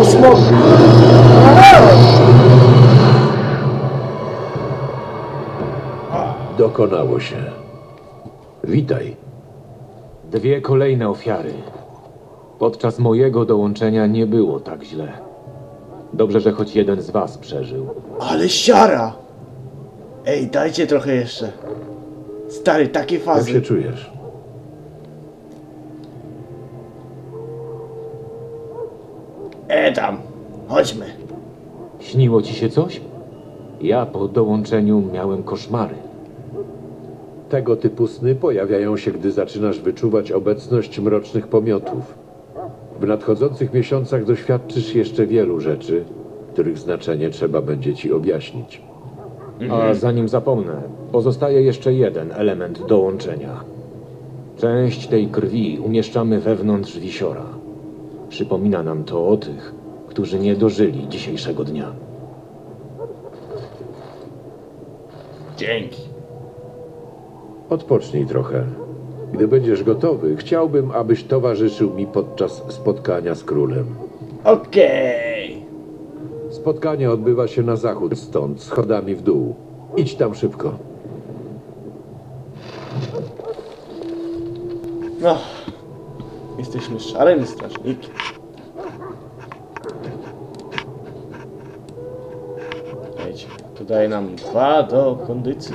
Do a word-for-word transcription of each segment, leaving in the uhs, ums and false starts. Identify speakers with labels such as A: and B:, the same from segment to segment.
A: smok!
B: Dokonało się. Witaj.
C: Dwie kolejne ofiary. Podczas mojego dołączenia nie było tak źle. Dobrze, że choć jeden z was przeżył.
A: Ale siara! Ej, dajcie trochę jeszcze. Stary, takie
B: Jak
A: fazy.
B: się czujesz?
A: E tam, chodźmy.
C: Śniło ci się coś? Ja po dołączeniu miałem koszmary.
B: Tego typu sny pojawiają się, gdy zaczynasz wyczuwać obecność mrocznych pomiotów. W nadchodzących miesiącach doświadczysz jeszcze wielu rzeczy, których znaczenie trzeba będzie ci objaśnić.
C: A zanim zapomnę, pozostaje jeszcze jeden element dołączenia. Część tej krwi umieszczamy wewnątrz wisiora. Przypomina nam to o tych, którzy nie dożyli dzisiejszego dnia.
A: Dzięki.
B: Odpocznij trochę. Gdy będziesz gotowy, chciałbym, abyś towarzyszył mi podczas spotkania z królem.
A: Okej.
B: Spotkanie odbywa się na zachód stąd, schodami w dół. Idź tam szybko.
A: No. Jesteśmy szarym strażnikiem. Wiecie, to daje nam dwa do kondycji.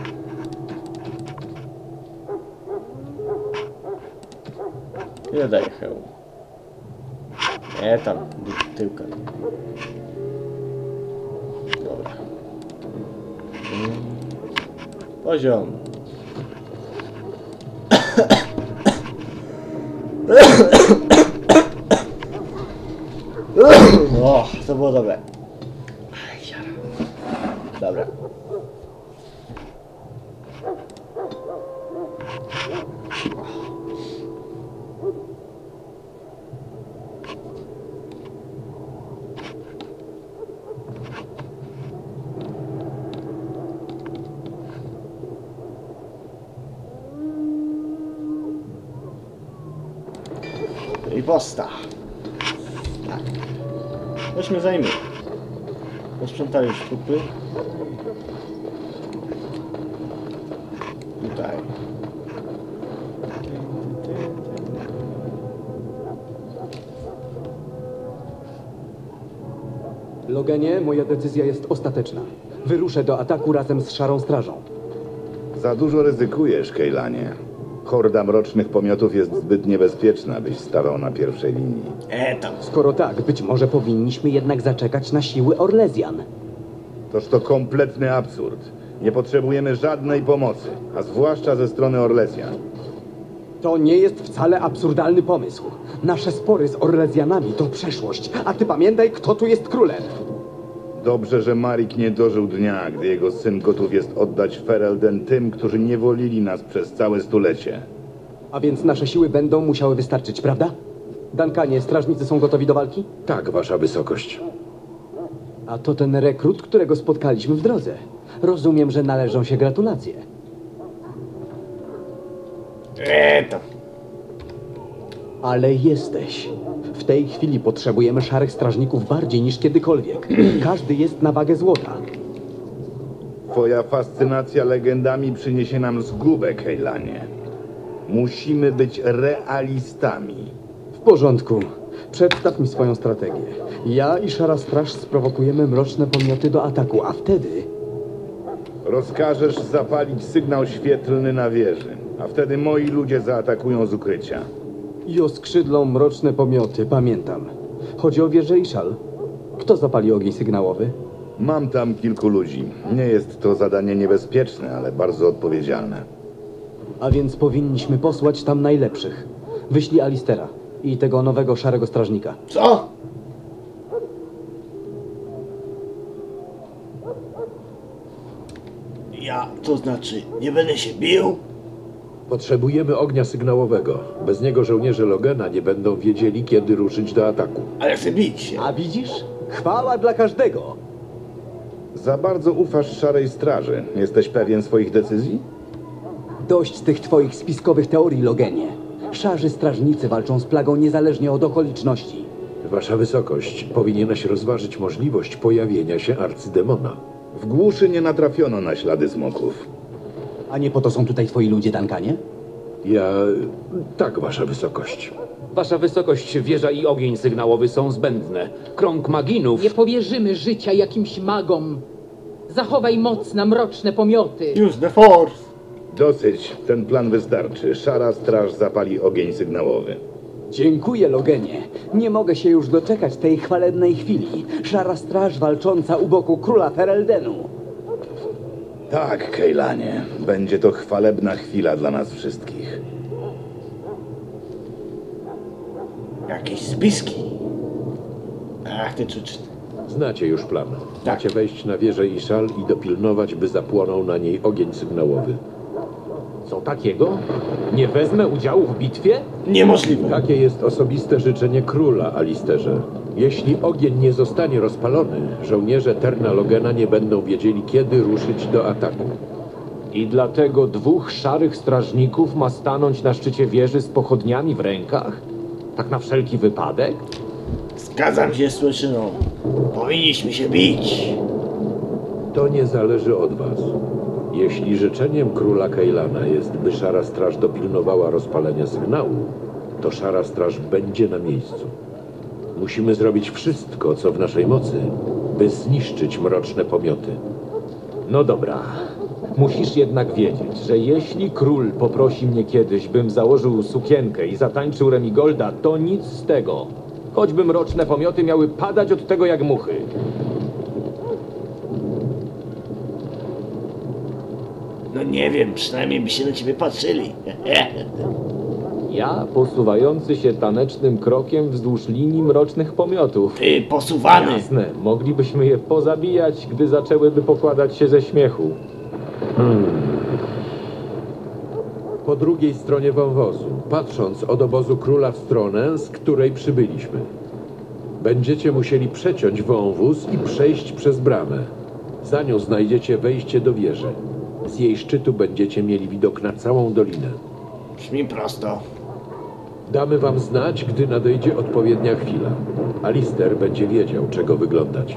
A: Ile daje hełm? Nie, tam, tyłka. Dobra. Mm. Poziom. O, to było dobre. Dobra. Riposta. Tak. Weźmy zajmie. Posprzątali już trupy. Tutaj.
D: Logenie, moja decyzja jest ostateczna. Wyruszę do ataku razem z Szarą Strażą.
E: Za dużo ryzykujesz, Kejlanie. Horda mrocznych pomiotów jest zbyt niebezpieczna, byś stawał na pierwszej linii.
A: E tam.
D: Skoro tak, być może powinniśmy jednak zaczekać na siły Orlezjan.
E: Toż to kompletny absurd. Nie potrzebujemy żadnej pomocy, a zwłaszcza ze strony Orlesjan.
D: To nie jest wcale absurdalny pomysł. Nasze spory z Orlezjanami to przeszłość, a ty pamiętaj, kto tu jest królem.
E: Dobrze, że Marik nie dożył dnia, gdy jego syn gotów jest oddać Ferelden tym, którzy niewolili nas przez całe stulecie.
D: A więc nasze siły będą musiały wystarczyć, prawda? Duncanie, strażnicy są gotowi do walki?
B: Tak, wasza wysokość.
D: A to ten rekrut, którego spotkaliśmy w drodze. Rozumiem, że należą się gratulacje.
A: E tam.
D: Ale jesteś. W tej chwili potrzebujemy szarych strażników bardziej niż kiedykolwiek. Każdy jest na wagę złota.
E: Twoja fascynacja legendami przyniesie nam zgubę, Kejlanie. Musimy być realistami.
D: W porządku. Przedstaw mi swoją strategię. Ja i Szara Straż sprowokujemy mroczne pomioty do ataku, a wtedy...
E: Rozkażesz zapalić sygnał świetlny na wieży, a wtedy moi ludzie zaatakują z ukrycia.
D: I oskrzydlą mroczne pomioty, pamiętam. Chodzi o wieżę Ishal. Kto zapali ogień sygnałowy?
E: Mam tam kilku ludzi. Nie jest to zadanie niebezpieczne, ale bardzo odpowiedzialne.
D: A więc powinniśmy posłać tam najlepszych. Wyślij Alistera i tego nowego szarego strażnika.
A: Co? Ja, to znaczy, nie będę się bił?
B: Potrzebujemy ognia sygnałowego. Bez niego żołnierze Logena nie będą wiedzieli, kiedy ruszyć do ataku.
A: Ale chcę bić się.
D: A widzisz? Chwała dla każdego.
E: Za bardzo ufasz Szarej Straży. Jesteś pewien swoich decyzji?
D: Dość tych twoich spiskowych teorii, Logenie. Szarzy strażnicy walczą z plagą niezależnie od okoliczności.
B: Wasza wysokość, powinieneś rozważyć możliwość pojawienia się arcydemona.
E: W głuszy nie natrafiono na ślady smoków.
D: A nie po to są tutaj twoi ludzie, Duncanie?
B: Ja... tak, wasza wysokość.
F: Wasza wysokość, wieża i ogień sygnałowy są zbędne. Krąg maginów...
G: Nie powierzymy życia jakimś magom. Zachowaj moc na mroczne pomioty.
A: Use the force.
E: Dosyć, ten plan wystarczy. Szara straż zapali ogień sygnałowy.
D: Dziękuję, Logenie. Nie mogę się już doczekać tej chwalebnej chwili. Szara straż walcząca u boku króla Fereldenu.
E: Tak, Kejlanie. Będzie to chwalebna chwila dla nas wszystkich.
A: Jakieś spiski. Ach, ty czuczny.
B: Znacie już plan.
A: Tak.
B: Macie wejść na wieżę i szal i dopilnować, by zapłonął na niej ogień sygnałowy.
C: Co takiego? Nie wezmę udziału w bitwie?
A: Niemożliwe.
B: Takie jest osobiste życzenie króla, Alisterze. Jeśli ogień nie zostanie rozpalony, żołnierze Terna Logena nie będą wiedzieli, kiedy ruszyć do ataku.
C: I dlatego dwóch szarych strażników ma stanąć na szczycie wieży z pochodniami w rękach? Tak na wszelki wypadek?
A: Zgadzam się z Słyszyną. Powinniśmy się bić.
B: To nie zależy od was. Jeśli życzeniem króla Kejlana jest, by Szara Straż dopilnowała rozpalenia sygnału, to Szara Straż będzie na miejscu. Musimy zrobić wszystko, co w naszej mocy, by zniszczyć mroczne pomioty.
C: No dobra. Musisz jednak wiedzieć, że jeśli król poprosi mnie kiedyś, bym założył sukienkę i zatańczył Remigolda, to nic z tego. Choćby mroczne pomioty miały padać od tego jak muchy.
A: No nie wiem, przynajmniej by się na ciebie patrzyli.
C: Ja posuwający się tanecznym krokiem wzdłuż linii mrocznych pomiotów.
A: Ty, posuwany.
C: Jasne, moglibyśmy je pozabijać, gdy zaczęłyby pokładać się ze śmiechu.
B: Po drugiej stronie wąwozu, patrząc od obozu króla w stronę, z której przybyliśmy. Będziecie musieli przeciąć wąwóz i przejść przez bramę. Za nią znajdziecie wejście do wieży. Z jej szczytu będziecie mieli widok na całą dolinę.
A: Brzmi prosto.
B: Damy wam znać, gdy nadejdzie odpowiednia chwila. Alister będzie wiedział, czego wyglądać.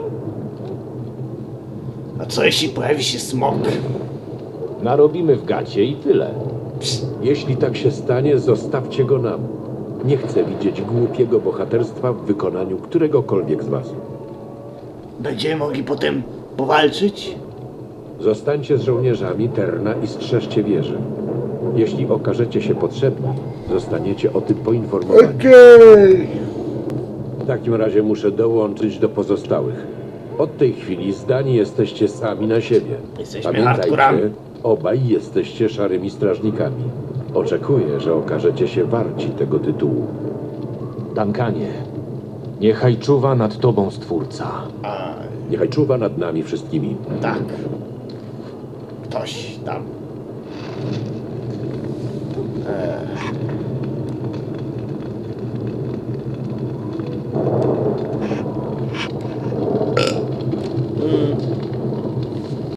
A: A co jeśli pojawi się smok?
C: Narobimy w gacie i tyle.
B: Jeśli tak się stanie, zostawcie go nam. Nie chcę widzieć głupiego bohaterstwa w wykonaniu któregokolwiek z was.
A: Będziemy mogli potem powalczyć?
B: Zostańcie z żołnierzami Terna i strzeżcie wieży. Jeśli okażecie się potrzebni, zostaniecie o tym poinformowani.
A: Okej.
B: W takim razie muszę dołączyć do pozostałych. Od tej chwili zdani jesteście sami na siebie.
A: Jesteśmy hardkorami.
B: obaj jesteście szarymi strażnikami. Oczekuję, że okażecie się warci tego tytułu.
C: Duncanie, niechaj czuwa nad tobą Stwórca.
A: A,
B: Niechaj czuwa nad nami wszystkimi.
A: tak. Ktoś tam. Eee.